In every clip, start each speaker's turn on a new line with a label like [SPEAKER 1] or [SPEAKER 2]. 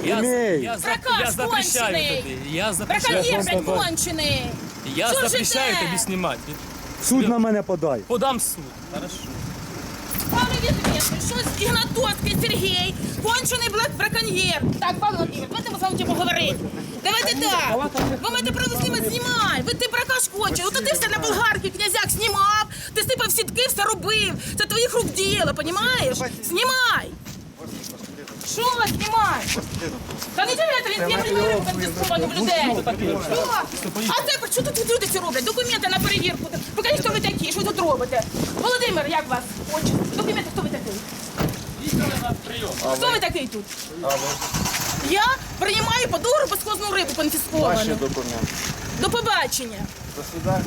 [SPEAKER 1] Имей.
[SPEAKER 2] Я
[SPEAKER 3] Проказ
[SPEAKER 2] запрещаю
[SPEAKER 3] кончений.
[SPEAKER 2] тобі. Я запрещаю.
[SPEAKER 3] Браконьєр, блядь, кончений.
[SPEAKER 2] Я
[SPEAKER 3] Що
[SPEAKER 2] запрещаю
[SPEAKER 3] жите?
[SPEAKER 2] тобі знімати.
[SPEAKER 1] В суд на мене подай.
[SPEAKER 2] Подам в суд. Хорошо.
[SPEAKER 3] Пане Вітвєтович, що Ігнатовський Сергій, кончений браконьєр. Так, Павло Володимирович, давайте ми з вами будемо говорити. Давайте так. Ви маєте право знімати, знімай. Ви ти бракаш кончений. От ти все на болгарки, князяк знімав, ти сипав сітки, все робив. Це твоїх рук діло, понімаєш? Знімай. Що знімай? Та не чуєте, він є приміром конфісковані в людей. Що? А це що тут люди ці роблять? Документи на перевірку. Покажіть, хто ви такі, що тут робите. Володимир, як вас? Очі. Документи, хто ви такий? Хто ви такий тут? Я приймаю по договору безхозну рибу конфісковану.
[SPEAKER 1] документи.
[SPEAKER 3] До побачення.
[SPEAKER 1] До свидання.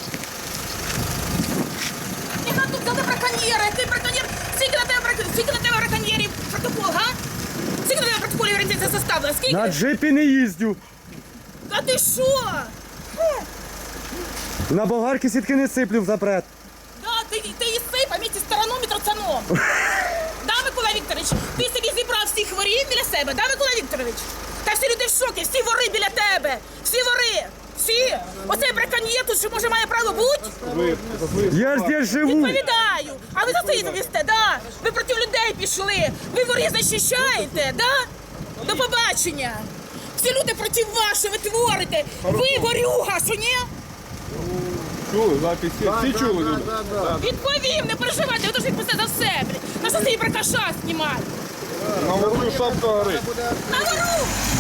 [SPEAKER 3] Яка тут за браконьєра? Який браконьєр? Скільки на тебе браконьєрів протокол, га? Скільки на тебе протоколів орієнтація составила? Скільки?
[SPEAKER 1] На джипі не їздю.
[SPEAKER 3] Та ти що?
[SPEAKER 1] На болгарки сітки не сиплю в запрет.
[SPEAKER 3] Да, ти її сип, а місці стороном і троцаном. Да, Микола Вікторович, ти собі зібрав всіх ворів біля себе, да, Микола Вікторович? Та всі люди в шокі, всі вори біля тебе, всі вори, всі. Оцей браконьєр тут, що може має право бути?
[SPEAKER 1] Я ж здесь живу.
[SPEAKER 3] Відповідаю. А ви за це відповісте, да? Ви проти людей пішли, ви ворів захищаєте, да? До побачення. Всі люди проти вас, що ви творите. Ви ворюга, що ні?
[SPEAKER 4] Чули, записи, всі чули люди?
[SPEAKER 3] Відповім, не переживайте, ви дуже відповісти за все, блядь. На що цей бракаша знімати?
[SPEAKER 4] На ворую шапка горить.
[SPEAKER 3] На вору!